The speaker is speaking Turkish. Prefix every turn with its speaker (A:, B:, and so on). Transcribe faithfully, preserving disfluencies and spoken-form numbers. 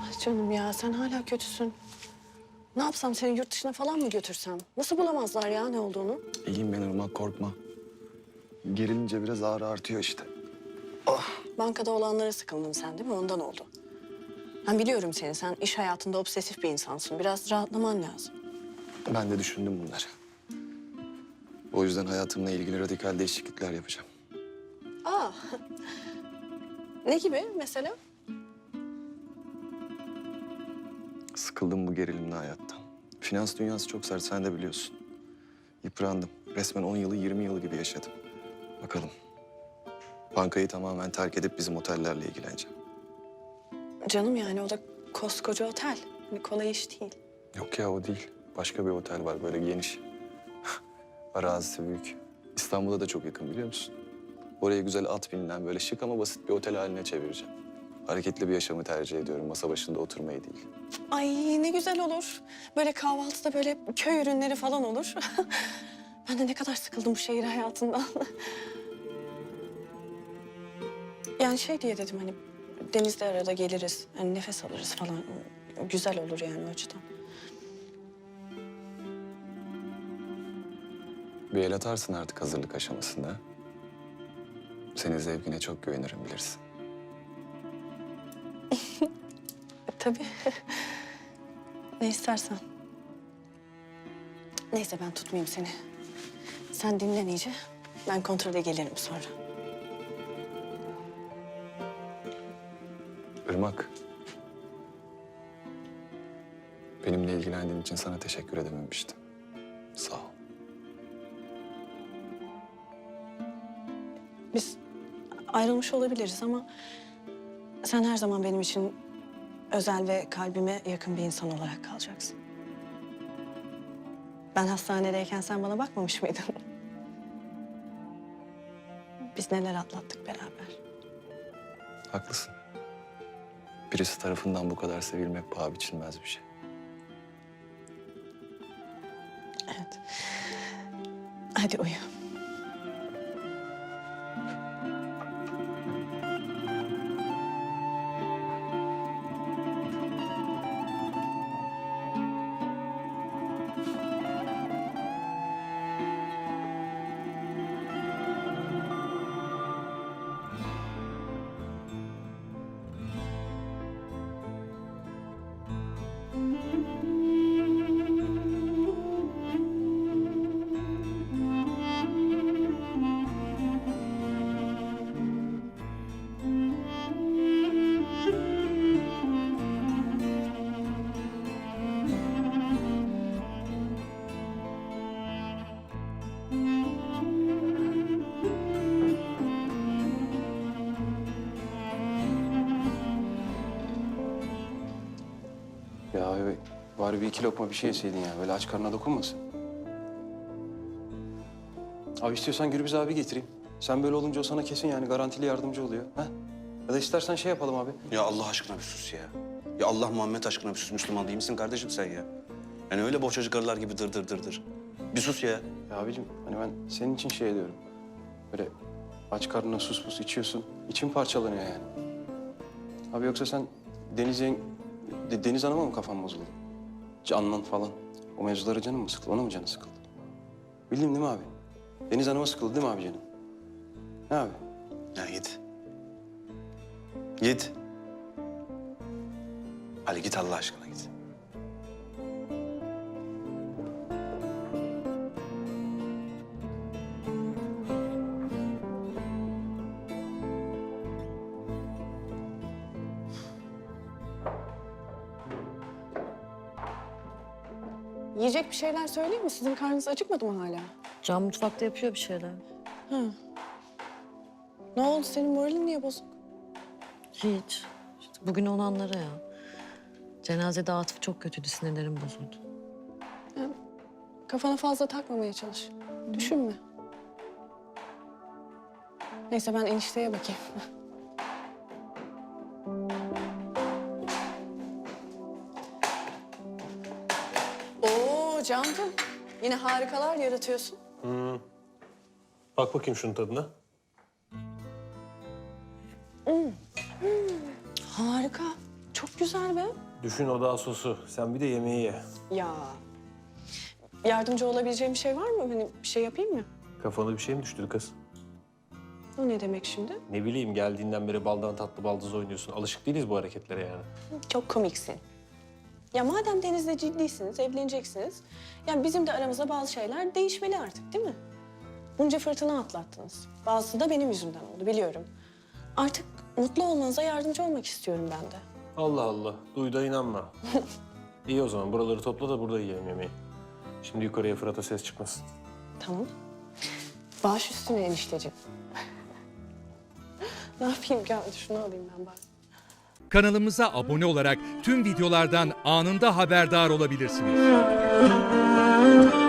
A: Ah canım ya, sen hala kötüsün. Ne yapsam, seni yurt dışına falan mı götürsem? Nasıl bulamazlar ya ne olduğunu?
B: İyiyim ben Irmak, korkma. Gerilince biraz ağrı artıyor işte.
A: Bankada olanlara sıkıldın sen değil mi? Ondan oldu. Ben biliyorum seni. Sen iş hayatında obsesif bir insansın. Biraz rahatlaman lazım.
B: Ben de düşündüm bunları. O yüzden hayatımla ilgili radikal değişiklikler yapacağım.
A: Aa. Ne gibi mesela?
B: Sıkıldım bu gerilimli hayattan. Finans dünyası çok sert, sen de biliyorsun. Yıprandım. Resmen on yılı yirmi yıl gibi yaşadım. Bakalım. Bankayı tamamen terk edip bizim otellerle ilgileneceğim.
A: Canım yani o da koskoca otel. Hani kolay iş değil.
B: Yok ya, o değil. Başka bir otel var böyle geniş. Arazisi büyük. İstanbul'a da çok yakın, biliyor musun? Oraya güzel at binilen böyle şık ama basit bir otel haline çevireceğim. Hareketli bir yaşamı tercih ediyorum. Masa başında oturmayı değil.
A: Ay ne güzel olur. Böyle kahvaltıda böyle köy ürünleri falan olur. Ben de ne kadar sıkıldım bu şehir hayatından. Yani şey diye dedim hani denizde arada geliriz. Hani nefes alırız falan. Güzel olur yani o açıdan.
B: Bir el atarsın artık hazırlık aşamasında. Senin zevkine çok güvenirim, bilirsin.
A: E, tabii. Ne istersen. Neyse ben tutmayayım seni. Sen dinlen iyice. Ben kontrole gelirim sonra.
B: Irmak. Benimle ilgilendiğin için sana teşekkür edememiştim. Sağ ol.
A: Biz ayrılmış olabiliriz ama sen her zaman benim için özel ve kalbime yakın bir insan olarak kalacaksın. Ben hastanedeyken sen bana bakmamış mıydın? Biz neler atlattık beraber.
B: Haklısın. Birisi tarafından bu kadar sevilmek paha biçilmez bir şey.
A: Evet. Hadi uyu.
C: Ya abi, bari bir iki lokma bir şey yeseydin ya. Böyle aç karnına dokunmasın. Abi istiyorsan Gürbüz abi getireyim. Sen böyle olunca o sana kesin yani garantili yardımcı oluyor. Ha? Ya da istersen şey yapalım abi.
D: Ya Allah aşkına bir sus ya. Ya Allah Muhammed aşkına bir sus. Müslüman değil misin kardeşim sen ya? Yani öyle bohçacı karılar gibi dır dır dır dır. Bir sus ya.
C: Ya abicim hani ben senin için şey diyorum. Böyle aç karnına sus pus içiyorsun. İçin parçalanıyor yani. Abi yoksa sen Deniz, yeng- De- Deniz Hanım'a mı kafan bozuldu? Canlan falan. O mevzulara canın mı sıkıldı? Ona mı canı sıkıldı? Bildim değil mi abi? Deniz Hanım'a sıkıldı değil mi abi canım? Ne abi?
D: Ya git. Git. Hadi git Allah aşkına git.
A: Yiyecek bir şeyler söyleyeyim mi? Sizin karnınız acıkmadı mı hala?
E: Can mutfakta yapıyor bir şeyler.
A: Ne oldu? Senin moralin niye bozuk?
E: Hiç. İşte bugün olanlara ya. Cenazede Atıf çok kötüydü, sinirlerim bozuldu.
A: Kafana fazla takmamaya çalış. Düşünme. Neyse ben enişteye bakayım. Oo Can'cığım. Yine harikalar yaratıyorsun.
F: Bak bakayım şunun tadına.
A: Harika. Çok Güzel be.
F: Düşün o daha sosu. Sen bir de yemeği ye.
A: Ya. Yardımcı olabileceğim bir şey var mı? Hani bir şey yapayım mı?
F: Kafana bir şey mi düştü kız?
A: O ne demek şimdi?
F: Ne bileyim geldiğinden beri baldan tatlı baldız oynuyorsun. Alışık değiliz bu hareketlere yani.
A: Çok komiksin. Ya madem Deniz'le ciddisiniz, evleneceksiniz... yani bizim de aramızda bazı şeyler değişmeli artık değil mi? Bunca fırtına atlattınız. Bazısı da benim yüzümden oldu biliyorum. Artık mutlu olmanıza yardımcı olmak istiyorum ben de.
F: Allah Allah. Duy da inanma. İyi o zaman buraları topla da burada yiyelim yemeği. Şimdi yukarıya Fırat'a ses çıkmasın.
A: Tamam. Baş üstüne enişteciğim. Ne yapayım ki? Hadi şunu alayım ben bari.
G: Kanalımıza abone olarak tüm videolardan anında haberdar olabilirsiniz.